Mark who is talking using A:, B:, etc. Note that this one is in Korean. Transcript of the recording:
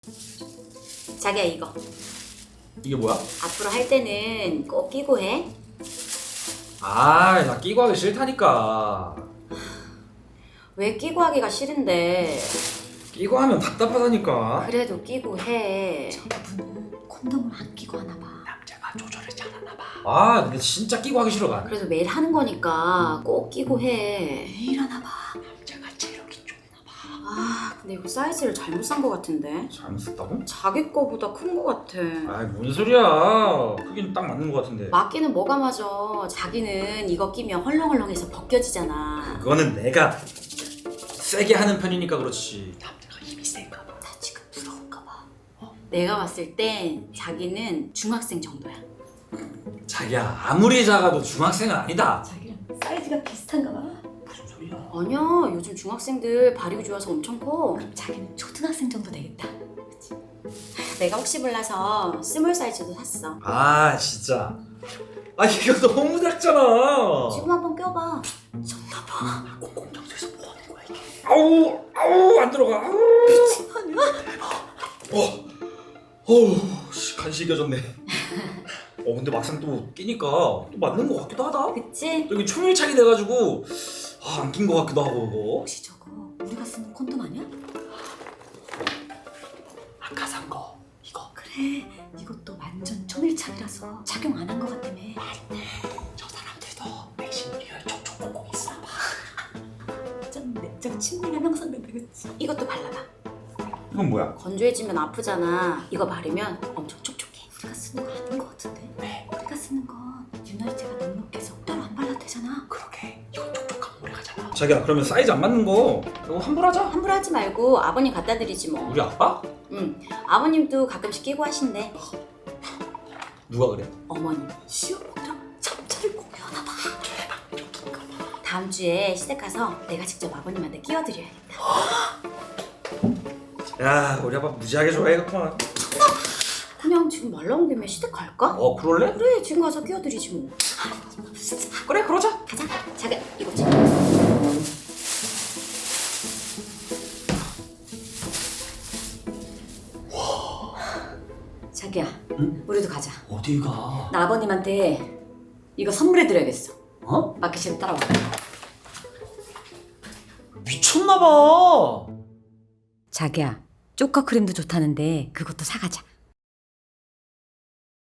A: 자기야 이거
B: 이게 뭐야?
A: 앞으로 할 때는 꼭 끼고 해.
B: 아, 나 끼고 하기 싫다니까.
A: 왜 끼고 하기가 싫은데?
B: 끼고 하면 답답하다니까.
A: 그래도 끼고 해.
C: 저분은 콘돔을 안 끼고 하나 봐.
B: 남자가 조절을 잘하나 봐. 아, 근데 진짜 끼고 하기 싫어 나.
A: 그래도 매일 하는 거니까 꼭 끼고 해.
C: 매일 하나 봐.
B: 남자가 체력이 좋나 봐.
A: 아 근데 이거 사이즈를 잘못 산 거 같은데?
B: 잘못 썼다고?
A: 자기 거보다 큰 거 같아.
B: 아이, 뭔 소리야. 크긴 딱 맞는 거 같은데.
A: 맞기는 뭐가 맞아. 자기는 이거 끼면 헐렁헐렁해서 벗겨지잖아.
B: 그거는 내가 세게 하는 편이니까 그렇지. 남자가 힘이 센가 봐.
A: 나 지금 부러운가 봐. 내가 봤을 땐 자기는 중학생 정도야.
B: 자기야, 아무리 작아도 중학생은 아니다.
C: 자기랑 사이즈가 비슷한가 봐.
B: 무슨 소리야?
A: 아니야 요즘 중학생들 발육이 좋아서 엄청 커.
C: 그럼 자기는 초등학생 정도 되겠다.
A: 내가 혹시 몰라서 스몰 사이즈도 샀어.
B: 아, 진짜. 아, 이거 너무 작잖아.
A: 지금 한번 껴봐.
B: 아, 공공장소에서 뭐 하는 거야 이게? 아우, 안 들어가. 아우. 씨, 간신히 껴졌네. 근데 막상 또 끼니까 또 맞는 거 같기도 하다.
A: 그치?
B: 여기 초밀착이 돼가지고 안 낀 거 같기도 하고 그거.
C: 혹시 저거 우리가 쓰는 콘돔 아니야?
B: 아까 산 거 이거.
C: 그래. 이것도 완전 초밀착이라서 착용 안 한 거 같다며.
B: 저 사람들도 백신 리얼 촉촉공공 있어 봐.
C: 좀 내적 침대가 형성된다 그치?
A: 이것도 발라봐.
B: 이건 뭐야?
A: 건조해지면 아프잖아. 이거 바르면 엄청 촉촉해.
C: 우리가 쓰는 거 아닌 거 같은데?
B: 왜?
C: 우리가 쓰는 건 유나이트가 넉넉해서 따로 안 발라도 되잖아.
B: 그러게. 이건 촉촉하면 오래 가잖아. 자기야, 그러면 사이즈 안 맞는 거 이거 환불하자.
A: 환불하지 말고 아버님 갖다 드리지 뭐.
B: 우리 아빠?
A: 응. 아버님도 가끔씩 끼고 하신대.
B: 누가 그래?
A: 어머님.
C: 시어머니랑 잠자를 공유하나 봐.
A: 다음 주에 시댁 가서 내가 직접 아버님한테 끼워드려야겠다.
B: 야, 우리 아빠 무지하게 좋아해겠구만.
A: 그냥 지금 말 나온 김에 시댁 갈까?
B: 그럴래?
A: 그래 지금 가서 끼워드리지 뭐.
B: 그래, 그러자.
A: 가자. 자기 이거 지 자기야,
B: 응?
A: 우리도 가자.
B: 어디가?
A: 나 아버님한테 이거 선물해드려야겠어.
B: 어?
A: 마켓으로 따라와.
B: 미쳤나봐.
A: 자기야, 쪼까 크림도 좋다는데 그것도 사가자.